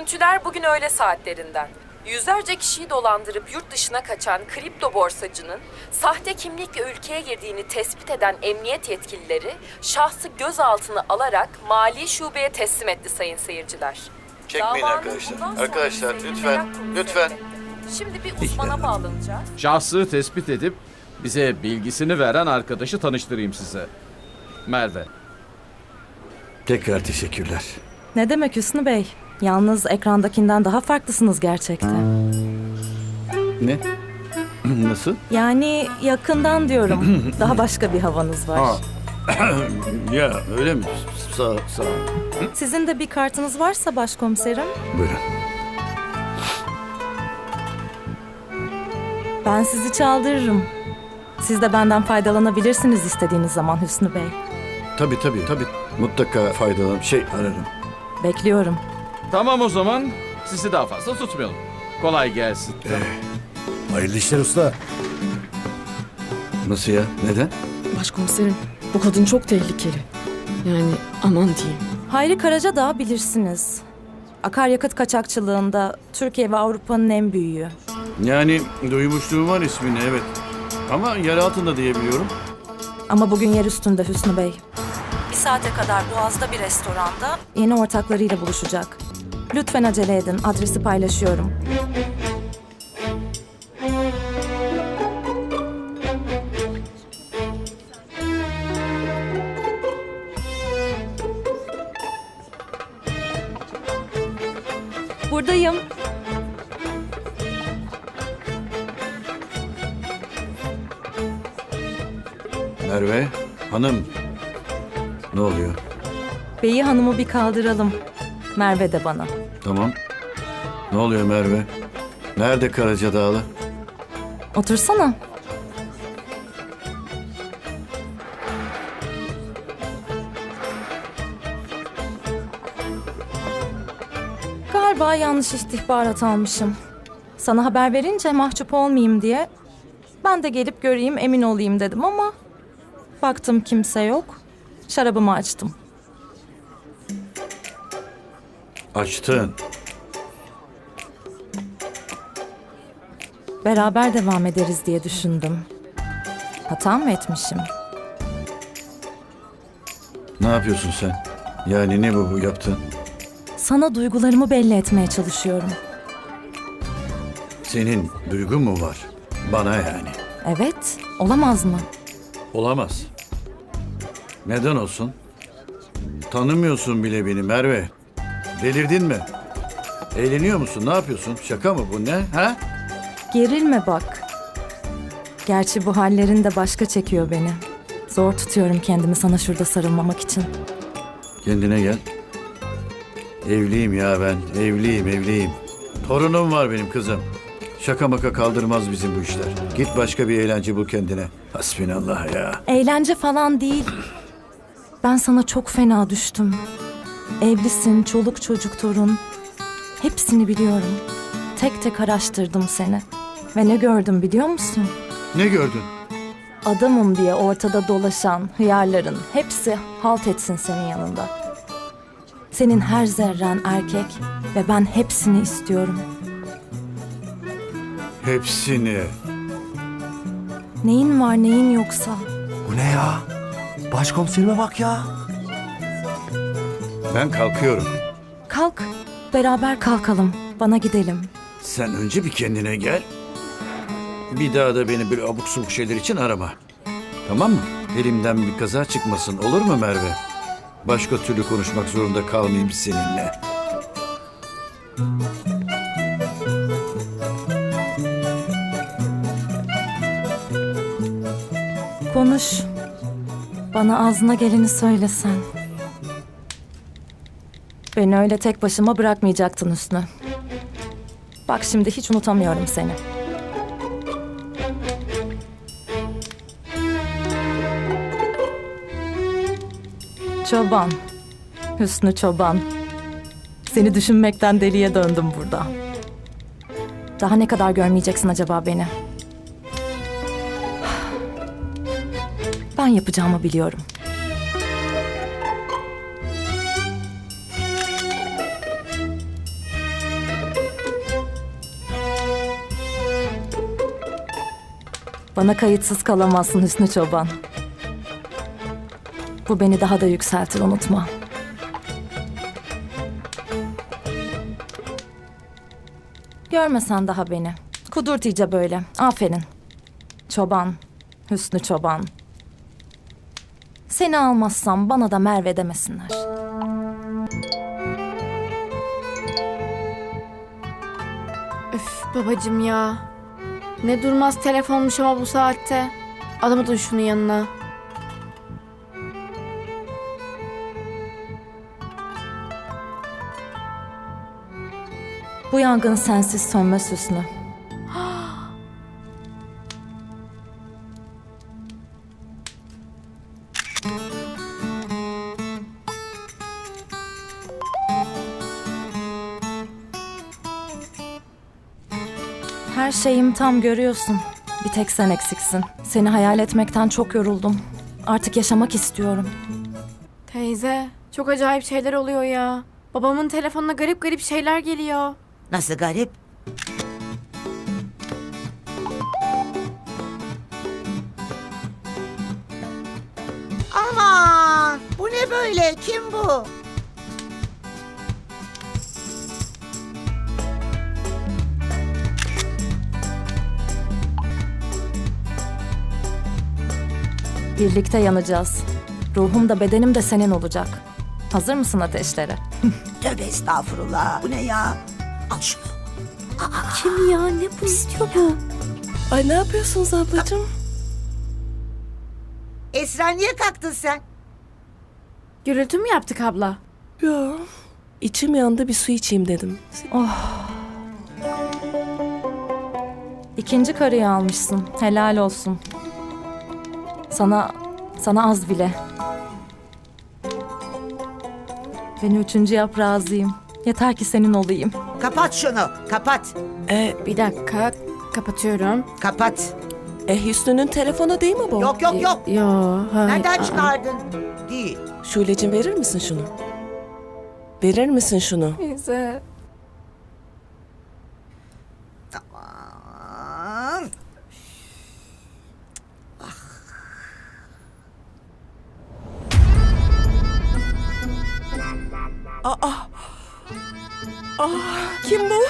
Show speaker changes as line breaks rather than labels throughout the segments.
Görüntüler bugün öğle saatlerinden. Yüzlerce kişiyi dolandırıp yurt dışına kaçan kripto borsacının sahte kimlikle ülkeye girdiğini tespit eden emniyet yetkilileri şahsı gözaltına alarak mali şubeye teslim etti sayın seyirciler.
Çekmeyin
Davanın
arkadaşlar.
bundan sonrası
Arkadaşlar lütfen,
merak konusu
lütfen.
elbette. Şimdi bir uzmana bağlanacağız.
Şahsı tespit edip bize bilgisini veren arkadaşı tanıştırayım size. Merve.
Tekrar teşekkürler.
Ne demek Hüsnü Bey? Yalnız ekrandakinden daha farklısınız gerçekten.
Ne? Nasıl?
Yani yakından diyorum. Daha başka bir havanız var.
Ha. Ya öyle mi? Sağ ol.
Sizin de bir kartınız varsa başkomiserim.
Buyurun.
Ben sizi çaldırırım. Siz de benden faydalanabilirsiniz istediğiniz zaman Hüsnü Bey.
Tabii. Mutlaka faydalan ararım.
Bekliyorum.
Tamam o zaman sizi daha fazla tutmayalım. Kolay gelsin.
Hayırlı işler usta.
Nasıl ya? Neden?
Başkomiserim, bu kadın çok tehlikeli. Yani aman diyeyim.
Hayri Karacadağ bilirsiniz. Akaryakıt kaçakçılığında Türkiye ve Avrupa'nın en büyüğü.
Yani duymuşluğum var ismini, evet. Ama yer altında diyebiliyorum.
Ama bugün yer üstünde Hüsnü Bey. Bir saate kadar Boğaz'da bir restoranda yeni ortaklarıyla buluşacak. Lütfen acele edin. Adresi paylaşıyorum. Buradayım.
Merve, hanım. Ne oluyor?
Beyi Hanım'ı bir kaldıralım. Merve de bana.
Tamam. Ne oluyor Merve? Nerede Karacadağlı?
Otursana. Galiba yanlış istihbarat almışım. Sana haber verince mahcup olmayayım diye ben de gelip göreyim, emin olayım dedim ama baktım kimse yok. Şarabımı açtım.
Açtın.
Beraber devam ederiz diye düşündüm. Hata mı etmişim?
Ne yapıyorsun sen? Yani ne bu yaptın?
Sana duygularımı belli etmeye çalışıyorum.
Senin duygun mu var? Bana yani.
Evet, olamaz mı?
Olamaz. Neden olsun? Tanımıyorsun bile beni Merve. Delirdin mi? Eğleniyor musun? Ne yapıyorsun? Şaka mı bu, ne? Ha?
Gerilme bak. Gerçi bu hallerin de başka çekiyor beni. Zor tutuyorum kendimi sana şurada sarılmamak için.
Kendine gel. Evliyim ya ben. Evliyim. Torunum var benim kızım. Şaka maka kaldırmaz bizim bu işler. Git başka bir eğlence bul kendine. Hasbinallah ya.
Eğlence falan değil. Ben sana çok fena düştüm. Evlisin, çoluk çocuk torun. Hepsini biliyorum. Tek tek araştırdım seni. Ve ne gördüm biliyor musun?
Ne gördün?
Adamım diye ortada dolaşan hıyarların hepsi halt etsin senin yanında. Senin her zerren erkek ve ben hepsini istiyorum.
Hepsini.
Neyin var neyin yoksa?
Bu ne ya? Başkomiserime bak ya.
Ben kalkıyorum.
Kalk, beraber kalkalım. Bana gidelim.
Sen önce bir kendine gel. Bir daha da beni böyle abuk subuk şeyler için arama. Tamam mı? Elimden bir kaza çıkmasın, olur mu Merve? Başka türlü konuşmak zorunda kalmayayım seninle.
Konuş. Bana ağzına geleni söylesen. Beni öyle tek başıma bırakmayacaktın Hüsnü. Bak şimdi hiç unutamıyorum seni. Çoban. Hüsnü Çoban. Seni düşünmekten deliye döndüm burada. Daha ne kadar görmeyeceksin acaba beni? Ben yapacağımı biliyorum. Bana kayıtsız kalamazsın Hüsnü Çoban. Bu beni daha da yükseltir, unutma. Görmesen daha beni. Kudurt iyice böyle. Aferin. Çoban. Hüsnü Çoban. Seni almazsam bana da Merve demesinler.
Üf babacım ya. Ne durmaz telefonmuş ama bu saatte. Alamadın şunu yanına.
Bu yangın sensiz sönmez Hüsnü. Her şeyim tam, görüyorsun. Bir tek sen eksiksin. Seni hayal etmekten çok yoruldum. Artık yaşamak istiyorum.
Teyze çok acayip şeyler oluyor ya. Babamın telefonuna garip garip şeyler geliyor.
Nasıl garip? Aman bu ne böyle? Kim bu?
Birlikte yanacağız. Ruhum da bedenim de senin olacak. Hazır mısın ateşlere?
Tövbe estağfurullah. Bu ne ya? Al şunu.
Kim ya? Ne bu istiyor bu? Ay ne yapıyorsunuz ablacığım?
Esra niye kalktın sen?
Gürültü mü yaptık abla?
Yo. İçim yandı, bir su içeyim dedim.
İkinci karıyı almışsın. Helal olsun. Sana az bile. Beni üçüncü yap, razıyım. Yeter ki senin olayım.
Kapat şunu. Kapat.
Bir dakika kapatıyorum.
Kapat.
Hüsnü'nün telefonu değil mi bu?
Yok yok yok.
Yo hayır.
Nereden çıkardın? Değil.
Şule'cim verir misin şunu? Verir misin şunu?
Teyze.
Aman.
Kim bu?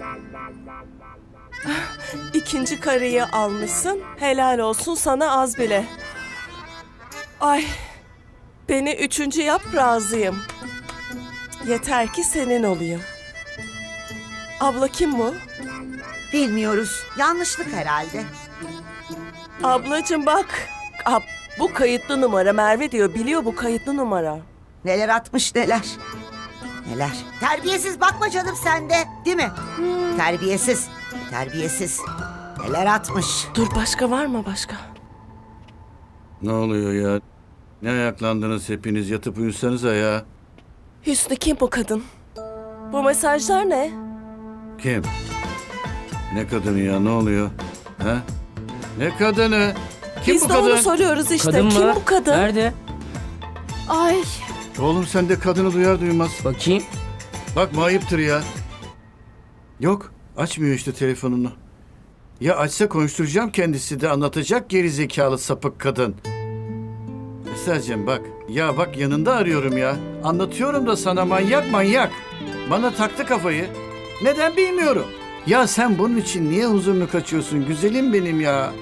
İkinci karıyı almışsın. Helal olsun sana az bile. Ay. Beni üçüncü yap, razıyım. Yeter ki senin olayım. Abla kim bu?
Bilmiyoruz. Yanlışlık herhalde.
Ablacığım bak. Bu kayıtlı numara, Merve diyor. Biliyor, bu kayıtlı numara.
Neler atmış neler. Neler. Terbiyesiz bakma canım sen de. Değil mi? Terbiyesiz. Terbiyesiz. Neler atmış.
Dur, başka var mı başka?
Ne oluyor ya? Ne ayaklandınız hepiniz? Yatıp uyusanıza ya.
Hüsnü kim bu kadın? Bu mesajlar ne?
Kim? Ne kadını ya? Ne oluyor? Ha? Ne kadını? Kim
Biz
bu
de
kadın?
onu soruyoruz işte.
Kadın
Kim
mı?
bu kadın?
Nerede?
Ay.
Oğlum sen de kadını duyar duymaz.
Bakayım.
Bakma, ayıptır ya. Yok, açmıyor işte telefonunu. Ya açsa konuşturacağım, kendisi de anlatacak, geri zekalı sapık kadın. Esra'cığım bak, ya bak yanında arıyorum ya. Anlatıyorum da sana, manyak manyak. Bana taktı kafayı. Neden bilmiyorum. Ya sen bunun için niye huzurunu kaçıyorsun güzelim benim ya?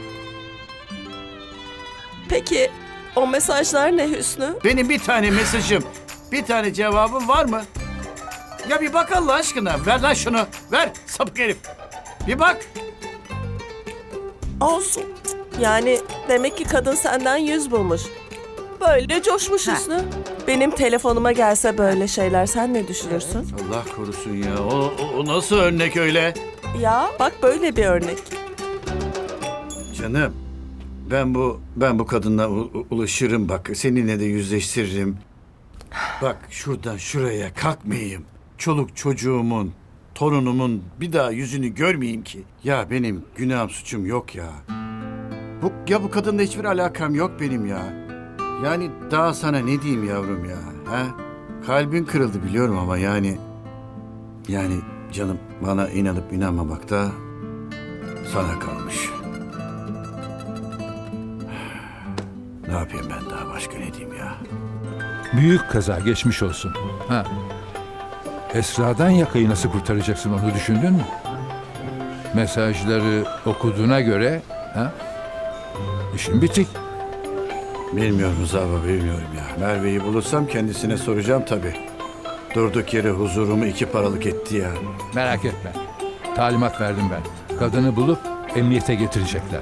Peki o mesajlar ne Hüsnü?
Benim bir tane mesajım, bir tane cevabım var mı? Ya bir bak Allah aşkına. Ver lan şunu. Ver sapık herif. Bir bak.
Olsun. Yani demek ki kadın senden yüz bulmuş. Böyle coşmuş Hüsnü. Benim telefonuma gelse böyle şeyler sen ne düşünürsün?
Allah korusun ya. O nasıl örnek öyle?
Ya bak böyle bir örnek.
Canım. Ben bu kadınla ulaşırım bak. Seninle de yüzleştiririm. Bak şuradan şuraya kalkmayayım. Çoluk çocuğumun, torunumun bir daha yüzünü görmeyeyim ki. Ya benim günahım suçum yok ya. Bu kadınla hiçbir alakam yok benim ya. Yani daha sana ne diyeyim yavrum ya? Ha? Kalbin kırıldı biliyorum ama yani canım bana inanıp inanmamak da sana kalmış. Ne yapayım ben daha, başka ne diyeyim ya?
Büyük kaza, geçmiş olsun. Ha. Esra'dan yakayı nasıl kurtaracaksın, onu düşündün mü? Mesajları okuduğuna göre ha? İşin bitik.
Bilmiyorum Rıza baba, bilmiyorum ya. Merve'yi bulursam kendisine soracağım tabii. Durduk yere huzurumu iki paralık etti ya.
Merak etme. Talimat verdim ben. Kadını bulup emniyete getirecekler.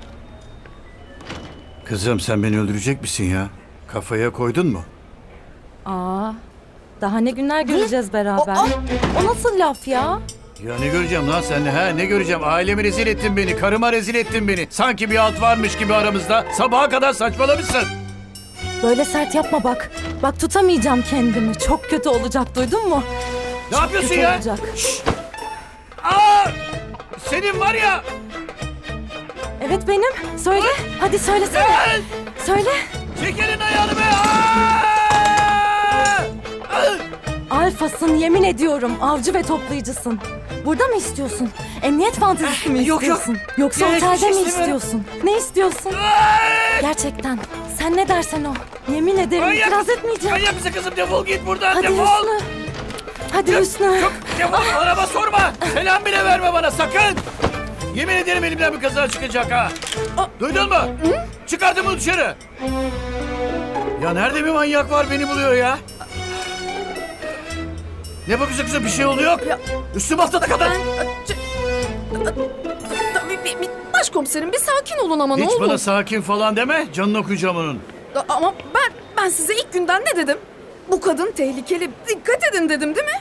Kızım sen beni öldürecek misin ya? Kafaya koydun mu?
Aa, daha ne günler göreceğiz beraber. O nasıl laf ya?
Ya ne göreceğim lan seninle, ha? Ne göreceğim? Ailemi rezil ettin beni, karıma rezil ettin beni. Sanki bir alt varmış gibi aramızda. Sabaha kadar saçmalamışsın.
Böyle sert yapma bak. Bak tutamayacağım kendimi. Çok kötü olacak, duydun mu?
Ne yapıyorsun
Kötü
ya?
olacak.
Aa! Senin var ya!
Evet benim. Söyle. Hadi söylesene.
Gel!
Söyle.
Çek elin ayağını be! Aa!
Alfasın, yemin ediyorum. Avcı ve toplayıcısın. Burada mı istiyorsun? Emniyet fantezisi mi
Yok, yok.
istiyorsun? Yoksa
Yok, hiçbir
otelde
şey
mi
istemiyorum.
istiyorsun? Ne istiyorsun? Gerçekten. Sen ne dersen o. Yemin ederim itiraz etmeyeceğim.
Manyak mısın kızım? Defol git buradan,
Hadi
defol!
Hüsnü. Hadi Hüsnü.
Çok defol, araba sorma! Selam bile verme bana, sakın! Yemin ederim elimden bir kaza çıkacak ha! Duydun mu? Çıkardım bunu dışarı! Ya nerede bir manyak var beni buluyor ya? Ne bakıyorsun kızım, bir şey oluyor? Üstüm haftada kadar!
Başkomiserim bir sakin olun ama ne
Hiç
olur.
bana sakin falan deme, canını okuyacağım onun.
Ama ben size ilk günden ne dedim? Bu kadın tehlikeli. Dikkat edin dedim değil mi?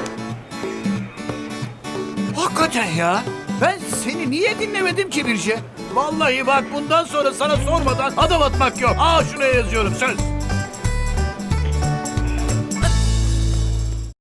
Hakikaten ya! Ben seni niye dinlemedim ki Birce? Vallahi bak, bundan sonra sana sormadan adım atmak yok. Aa, şuraya yazıyorum, söz.